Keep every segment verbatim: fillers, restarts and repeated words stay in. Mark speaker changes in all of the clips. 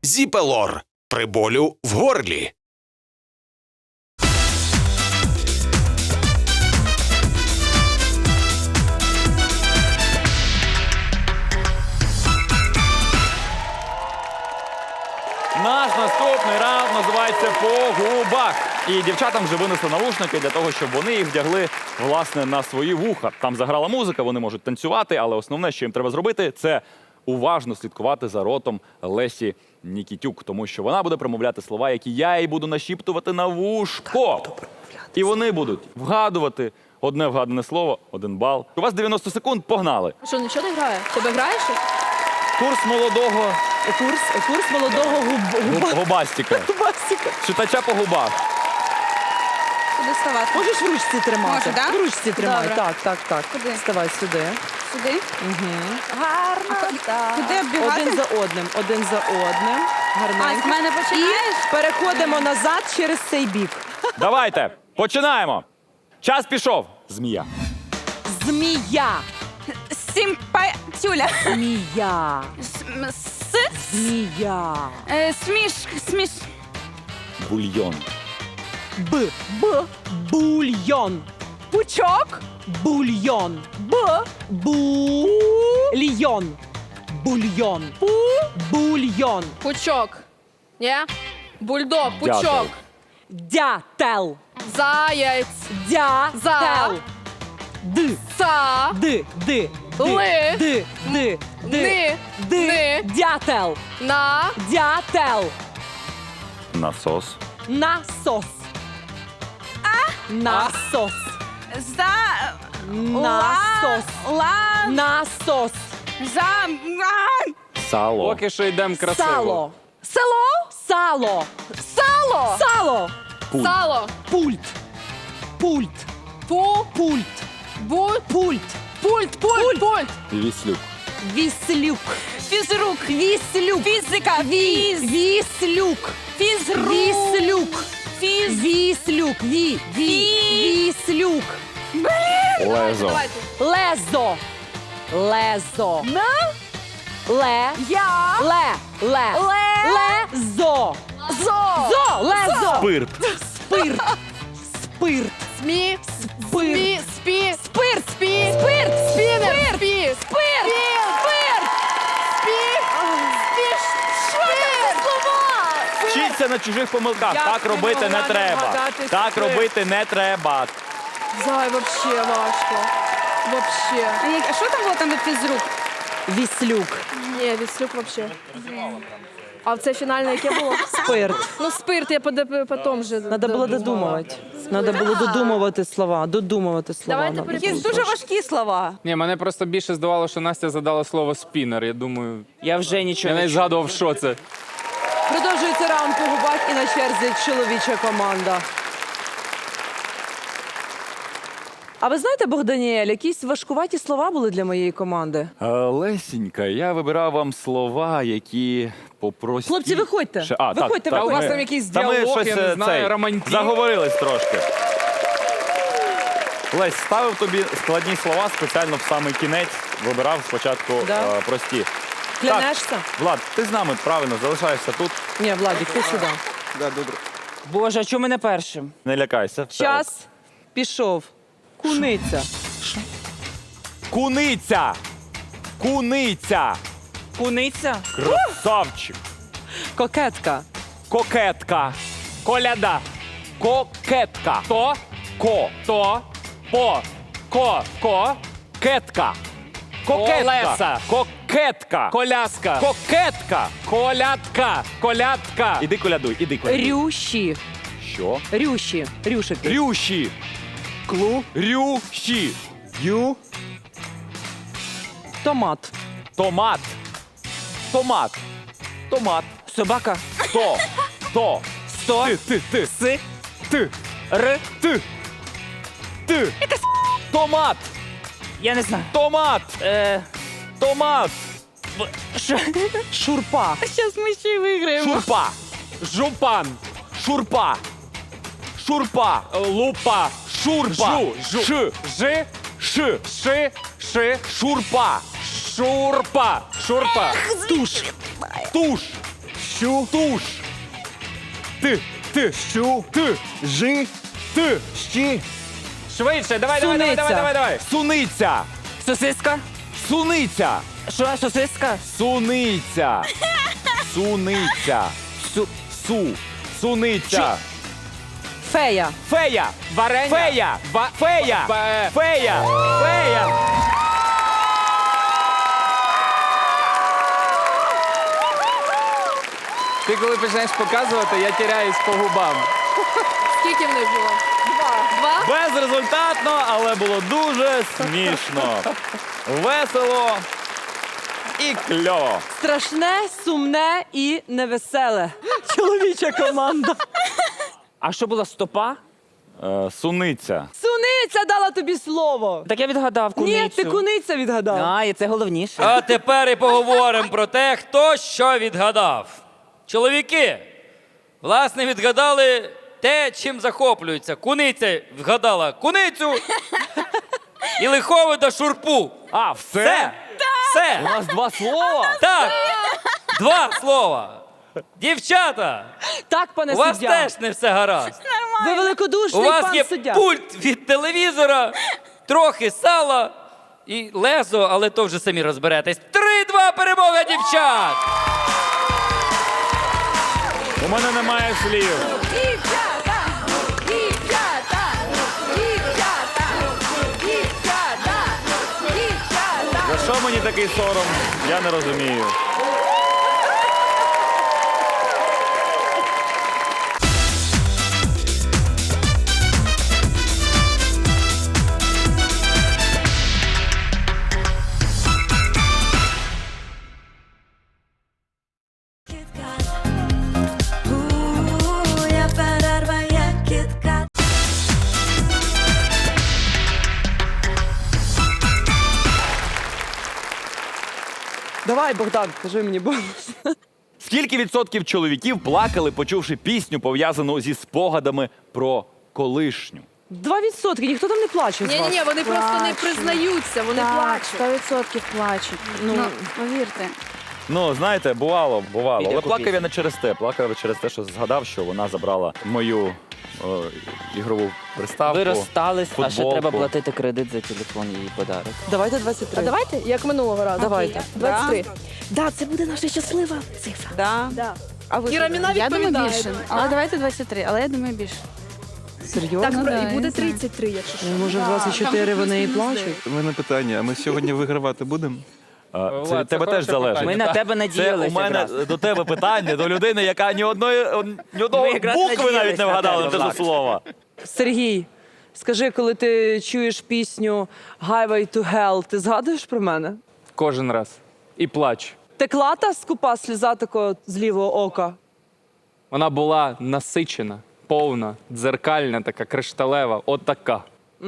Speaker 1: Зіпелор при болю в горлі.
Speaker 2: Наш наступний раунд називається «По губах». І дівчатам вже винесли навушники для того, щоб вони їх вдягли, власне, на свої вуха. Там заграла музика, вони можуть танцювати, але основне, що їм треба зробити, це уважно слідкувати за ротом Лесі Нікітюк, тому що вона буде промовляти слова, які я їй буду нашіптувати на вушко. І вони будуть вгадувати одне вгадане слово, один бал. У вас дев'яносто секунд, погнали.
Speaker 3: Що, нічого не грає? Тебе граєш?
Speaker 2: Курс молодого
Speaker 4: Курс, курс молодого губ, губа,
Speaker 2: губ- губастика.
Speaker 4: губастика.
Speaker 2: Читача по губах.
Speaker 3: Куди ставати?
Speaker 4: Можеш в ручці тримати?
Speaker 3: Можу, да?
Speaker 4: В ручці тримай.
Speaker 3: Добре.
Speaker 4: Так, так, так.
Speaker 3: Куди?
Speaker 4: Ставай сюди.
Speaker 3: Сюди?
Speaker 4: Гарно.
Speaker 3: Куди оббігати?
Speaker 4: Один за одним, один за одним.
Speaker 3: А,
Speaker 4: Гарненько.
Speaker 3: з мене починаєш?
Speaker 4: Переходимо назад через цей бік.
Speaker 2: Давайте, починаємо. Час пішов. Змія.
Speaker 4: Змія.
Speaker 3: Сімпатюля.
Speaker 4: Змія.
Speaker 3: С...
Speaker 4: Змія.
Speaker 3: Е, Сміш... Сміш...
Speaker 2: Бульйон.
Speaker 4: Б. Б. Бульйон.
Speaker 3: Пучок?
Speaker 4: Бульйон. Б. Бульйон. Бульйон. Бу. Бульйон.
Speaker 3: Пучок. Ні? Бульдог,
Speaker 2: Дятел.
Speaker 3: пучок.
Speaker 4: Дятел.
Speaker 3: Заяць.
Speaker 4: Дятел.
Speaker 3: За.
Speaker 4: Д.
Speaker 3: Са.
Speaker 4: Д. Д. Д.
Speaker 3: Ли.
Speaker 4: Д. Д. Д.
Speaker 3: Ни.
Speaker 4: Д.
Speaker 3: Ни.
Speaker 4: Дятел.
Speaker 3: На.
Speaker 4: Дятел.
Speaker 2: Насос.
Speaker 4: Насос. А. Насос.
Speaker 3: За...
Speaker 4: Насос.
Speaker 3: Ла...
Speaker 4: Насос.
Speaker 3: За... А!
Speaker 2: Сало.
Speaker 5: Поки що йдемо красиво.
Speaker 4: Сало.
Speaker 3: Село?
Speaker 4: Сало.
Speaker 3: Сало.
Speaker 4: Сало.
Speaker 2: Пульт.
Speaker 3: Сало.
Speaker 4: Пульт. Пульт.
Speaker 3: Пу.
Speaker 4: Пульт.
Speaker 3: Бу.
Speaker 4: Пульт.
Speaker 3: Пульт. Пульт. Пульт.
Speaker 2: Віслюк.
Speaker 4: Віслюк.
Speaker 3: Фізрук.
Speaker 4: Віслюк.
Speaker 3: Фізика.
Speaker 4: Ві.
Speaker 3: Фіз.
Speaker 4: Віслюк.
Speaker 3: Фізрук.
Speaker 4: Віслюк.
Speaker 3: Фіз.
Speaker 4: Віслюк. Ві. Ві. Віслюк.
Speaker 2: Лезо.
Speaker 3: Давайте.
Speaker 4: Лезо. Лезо.
Speaker 3: На.
Speaker 4: Ле.
Speaker 3: Я.
Speaker 4: Ле. Ле.
Speaker 3: Ле.
Speaker 4: Лезо.
Speaker 3: Зо.
Speaker 4: Зо. Лезо.
Speaker 2: Спирт.
Speaker 4: Спирт. Спирт.
Speaker 3: Смі.
Speaker 4: Спирт.
Speaker 3: Смі. Спі.
Speaker 4: Спирт.
Speaker 3: Спі.
Speaker 4: Спирт.
Speaker 3: Спінер. Спі.
Speaker 4: Спирт.
Speaker 3: Спірт. Спі. Спі. Що це слова?
Speaker 2: Вчіться на чужих помилках.
Speaker 4: Я
Speaker 2: Так
Speaker 4: не
Speaker 2: робити не
Speaker 4: могла
Speaker 2: треба.
Speaker 4: нагадати
Speaker 2: Так
Speaker 4: спирт.
Speaker 2: робити не треба.
Speaker 3: Зай, вообще важко. Вообще. А що там було там від фізрук?
Speaker 4: Віслюк.
Speaker 3: Ні, відслюк вообще. А це фінальне яке було?
Speaker 4: Спирт.
Speaker 3: Ну, спирт, я поде- потім вже.
Speaker 4: Надо було додумувати. Надо було додумувати слова. Додумувати слова.
Speaker 3: Давайте
Speaker 4: надо
Speaker 3: перейдемо.
Speaker 4: було.
Speaker 3: Дуже
Speaker 4: важкі слова.
Speaker 5: Ні, мене просто більше здавало, що Настя задала слово спінер. Я думаю,
Speaker 4: Я вже
Speaker 5: я
Speaker 4: нічого
Speaker 5: навіть
Speaker 4: не чую.
Speaker 5: згадував, що це.
Speaker 4: Продовжується раунд по губах і на черзі чоловіча команда. А ви знаєте, Богданіель, якісь важкуваті слова були для моєї команди?
Speaker 2: Е, Лесінька, я вибирав вам слова, які попрості...
Speaker 4: Хлопці, виходьте.
Speaker 2: Ще- А, так,
Speaker 4: Виходьте,
Speaker 2: так,
Speaker 4: у вас
Speaker 2: ми-
Speaker 5: там якийсь
Speaker 2: Та ми
Speaker 5: діалог,
Speaker 2: щось,
Speaker 5: я не
Speaker 2: е,
Speaker 5: знаю,
Speaker 2: цей,
Speaker 5: романтик.
Speaker 2: Заговорились трошки. Лесь, ставив тобі складні слова спеціально в самий кінець. Вибирав спочатку
Speaker 4: Да.
Speaker 2: е, прості.
Speaker 4: Клянешся?
Speaker 2: Так, Влад, ти з нами правильно залишаєшся тут.
Speaker 4: Ні, Владик, ти сюди.
Speaker 2: Да, добре.
Speaker 6: Боже, а чому ми не першим?
Speaker 2: Не лякайся. все ок.
Speaker 4: Час пішов. Куниця.
Speaker 2: Куниця! Куниця!
Speaker 6: Куниця?
Speaker 2: Красавчик!
Speaker 4: Кокетка.
Speaker 2: Кокетка!
Speaker 5: Коляда.
Speaker 2: Кокетка!
Speaker 5: То,
Speaker 2: Ко!
Speaker 5: то, по, ко, ко,
Speaker 2: Кетка! Кокетка!
Speaker 5: Колеса.
Speaker 2: Кокетка!
Speaker 5: коляска,
Speaker 2: Кокетка!
Speaker 5: колядка, колядка.
Speaker 2: Іди колядуй, іди колядуй.
Speaker 4: Рющі.
Speaker 2: Що?
Speaker 4: Рющі. Рюшики.
Speaker 2: Рющі! Клу? Рющі! Ю?
Speaker 4: Томат.
Speaker 2: Томат! Томат! Томат!
Speaker 6: Собака?
Speaker 2: То! То!
Speaker 6: Сто?
Speaker 2: Ти, ти, ти!
Speaker 6: Си?
Speaker 2: Ти! Р! Ти! Ти! Томат!
Speaker 6: Я не знаю.
Speaker 2: Томат!
Speaker 6: Е,
Speaker 2: Томат!
Speaker 6: що?
Speaker 4: Шурпа.
Speaker 3: Зараз ми ще й виграємо.
Speaker 2: Шурпа!
Speaker 5: Жупан,
Speaker 2: Шурпа! Шурпа!
Speaker 5: лупа,
Speaker 2: Шурпа!
Speaker 5: Жу, жу.
Speaker 2: Ш!
Speaker 5: Ж,
Speaker 2: Ш!
Speaker 5: ши, ши,
Speaker 2: Шурпа!
Speaker 5: шурпа, шурпа,
Speaker 4: Туш.
Speaker 2: Туш!
Speaker 7: щу,
Speaker 2: Туш.
Speaker 7: ти, ти, щу, ти, жи, ти, щі,
Speaker 5: Швидше, давай, давай, давай, давай, давай, давай.
Speaker 2: Суниця.
Speaker 6: Сосиска?
Speaker 2: Суниця.
Speaker 6: Що, сосиска?
Speaker 2: Суниця. Суниця. Су. Су. Суниця.
Speaker 4: Фея.
Speaker 2: Фея.
Speaker 5: Варення.
Speaker 2: Фея.
Speaker 5: Ва-
Speaker 2: Фея.
Speaker 5: Бе-
Speaker 2: Фея. Фея.
Speaker 5: Ти коли починаєш показувати, я тіряюсь по губам.
Speaker 3: Скільки в них було? Два. Два?
Speaker 2: Безрезультатно, але було дуже смішно. Весело і кльово.
Speaker 4: Страшне, сумне і невеселе. Чоловіча команда.
Speaker 6: А що була стопа?
Speaker 2: Е, суниця.
Speaker 4: Суниця дала тобі слово.
Speaker 6: Так я відгадав куницю.
Speaker 4: Ні, ти куниця відгадав.
Speaker 6: А, і це головніше.
Speaker 8: А тепер і поговоримо про те, хто що відгадав. Чоловіки, власне, відгадали те, чим захоплюються. Куниця вгадала куницю і лиховида шурпу.
Speaker 2: А, все?
Speaker 8: Все. Все.
Speaker 2: У нас два слова?
Speaker 8: Так. Два слова. Дівчата,
Speaker 4: Так, пане
Speaker 8: у вас
Speaker 4: суддя.
Speaker 8: теж не все гаразд.
Speaker 4: Ви
Speaker 8: У
Speaker 4: великодушний
Speaker 8: вас
Speaker 4: пан
Speaker 8: є
Speaker 4: суддя.
Speaker 8: пульт від телевізора, трохи сала і лезо, але то вже самі розберетесь. Три-два перемога дівчат!
Speaker 2: У мене немає слів.
Speaker 3: Дівчата! Дівчата! Дівчата! Дівчата! Дівчата!
Speaker 2: За що мені такий сором? Я не розумію.
Speaker 4: Давай, Богдан, кажи мені бонус.
Speaker 2: Скільки відсотків чоловіків плакали, почувши пісню, пов'язану зі спогадами про колишню?
Speaker 4: Два відсотки, ніхто там не плаче з вас.
Speaker 3: Ні-ні-ні, вони просто не признаються, вони
Speaker 9: Так,
Speaker 3: плачуть.
Speaker 9: сто відсотків плачуть. Ну, повірте.
Speaker 2: Ну, знаєте, бувало, бувало.
Speaker 6: Піде
Speaker 2: Але
Speaker 6: по
Speaker 2: плакав я
Speaker 6: пісню.
Speaker 2: не через те. Плакав я через те, що згадав, що вона забрала мою о, ігрову приставку.
Speaker 6: Ви розстались, а ще
Speaker 2: футболку.
Speaker 6: треба платити кредит за телефон і її подарок.
Speaker 4: Давайте двадцять три.
Speaker 3: А давайте, як минулого разу.
Speaker 4: Давайте.
Speaker 3: двадцять три. Да, це буде наша щаслива цифра.
Speaker 9: Да.
Speaker 3: Да.
Speaker 9: А ви
Speaker 3: Іра
Speaker 9: що?
Speaker 3: Міна
Speaker 9: Я думаю
Speaker 3: відповідає.
Speaker 9: більше. Але давайте двадцять три, але я думаю більше.
Speaker 4: Серйозно?
Speaker 3: Так,
Speaker 9: Ну,
Speaker 3: про-
Speaker 9: да,
Speaker 3: і
Speaker 9: я
Speaker 3: буде
Speaker 9: не знаю.
Speaker 3: тридцять три, якщо що.
Speaker 4: Може, в двадцять чотири вони і плачуть?
Speaker 7: У мене питання, а ми сьогодні вигравати будемо?
Speaker 2: А,
Speaker 5: Влад,
Speaker 2: Це
Speaker 5: це
Speaker 2: від тебе
Speaker 5: хороше
Speaker 2: теж залежить.
Speaker 5: питання.
Speaker 6: Ми на тебе
Speaker 2: Це у
Speaker 6: надіялися
Speaker 2: мене
Speaker 6: якраз.
Speaker 2: до тебе питання, до людини, яка ні одної ні одного
Speaker 6: Ми якраз
Speaker 2: букви навіть
Speaker 6: надіялись
Speaker 2: не
Speaker 6: на
Speaker 2: вгадала
Speaker 6: тебе,
Speaker 2: те
Speaker 6: Влад.
Speaker 2: слова.
Speaker 4: Сергій, скажи, коли ти чуєш пісню Highway to Hell, ти згадуєш про мене?
Speaker 5: Кожен раз. І плач.
Speaker 4: Текла та скупа сльоза тако з лівого ока?
Speaker 5: Вона була насичена, повна, дзеркальна, така кришталева, отака.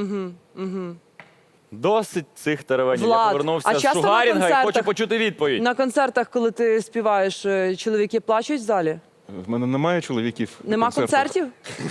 Speaker 2: Досить цих теревенів. Я
Speaker 4: Влад,
Speaker 2: повернувся
Speaker 4: а
Speaker 2: з
Speaker 4: часто на
Speaker 2: Шугарінга і
Speaker 4: концертах-
Speaker 2: хочу почути відповідь.
Speaker 4: На концертах, коли ти співаєш, е, чоловіки плачуть в залі?
Speaker 7: В мене немає чоловіків. на
Speaker 4: Нема
Speaker 7: концертах.
Speaker 4: концертів?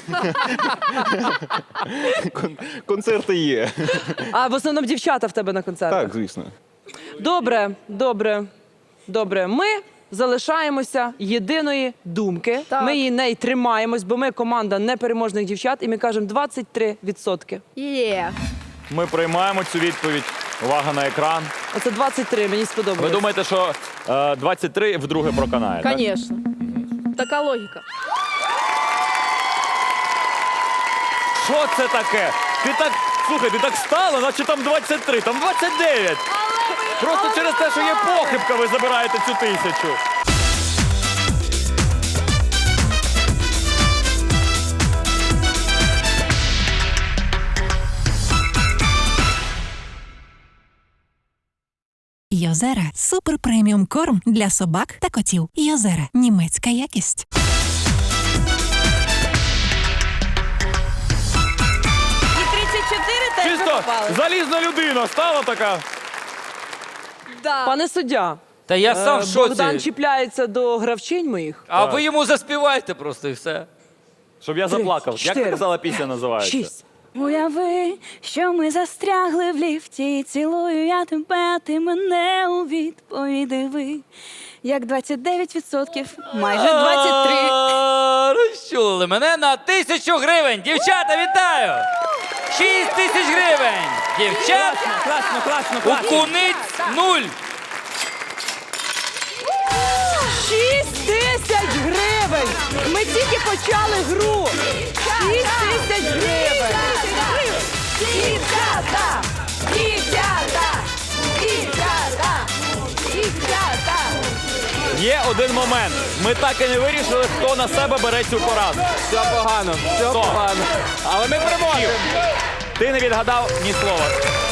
Speaker 7: Кон- Концерти є.
Speaker 4: А в основному дівчата в тебе на концертах?
Speaker 7: Так, звісно.
Speaker 4: Добре, добре, добре. Ми залишаємося єдиної думки.
Speaker 3: Так.
Speaker 4: Ми її не й тримаємось, бо ми команда непереможних дівчат, і ми кажемо двадцять три відсотки.
Speaker 3: Є.
Speaker 2: Ми приймаємо цю відповідь. Увага на екран.
Speaker 4: Оце двадцять три, мені
Speaker 2: Ви
Speaker 4: сподобалось.
Speaker 2: думаєте, що е, двадцять три вдруге проканає? так?
Speaker 3: Звісно. Така логіка.
Speaker 2: Що це таке? Ти так, слухай, ти так стала, наче там двадцять три, там двадцять дев'ять. Просто через те, що є похибка, ви забираєте цю тисячу.
Speaker 10: Йозера – супер преміум корм для собак та котів. Йозера – німецька якість.
Speaker 3: І тридцять чотири теж
Speaker 2: Чисто
Speaker 3: випали.
Speaker 2: залізна людина стала така.
Speaker 3: Да.
Speaker 4: Пане суддя,
Speaker 8: Та я сам
Speaker 4: е,
Speaker 8: в шоці.
Speaker 4: Богдан чіпляється до гравчинь моїх.
Speaker 8: А ви йому заспівайте просто і все.
Speaker 2: Щоб я заплакав. Як
Speaker 4: чотири,
Speaker 2: ти казала, пісня називається?
Speaker 4: Шість.
Speaker 9: Уяви, що ми застрягли в ліфті, і цілую я тебе, а ти мене у відповіді ви. як двадцять дев'ять відсотків, майже двадцять три.
Speaker 8: А, Розчулили мене на тисячу гривень. Дівчата, вітаю! Шість тисяч гривень. Дівчат,
Speaker 6: Класно, класно,
Speaker 8: у
Speaker 6: класно.
Speaker 8: куниць нуль.
Speaker 4: Шість тисяч гривень! Ми тільки почали гру! Шість тисяч гривень!
Speaker 3: Дівчата! Дівчата! Дівчата! Дівчата!
Speaker 2: Є один момент. Ми так і не вирішили, хто на себе бере цю пораду.
Speaker 5: Все погано, все
Speaker 2: Хто?
Speaker 5: погано. Але ми переможемо.
Speaker 2: Ти не відгадав ні слова.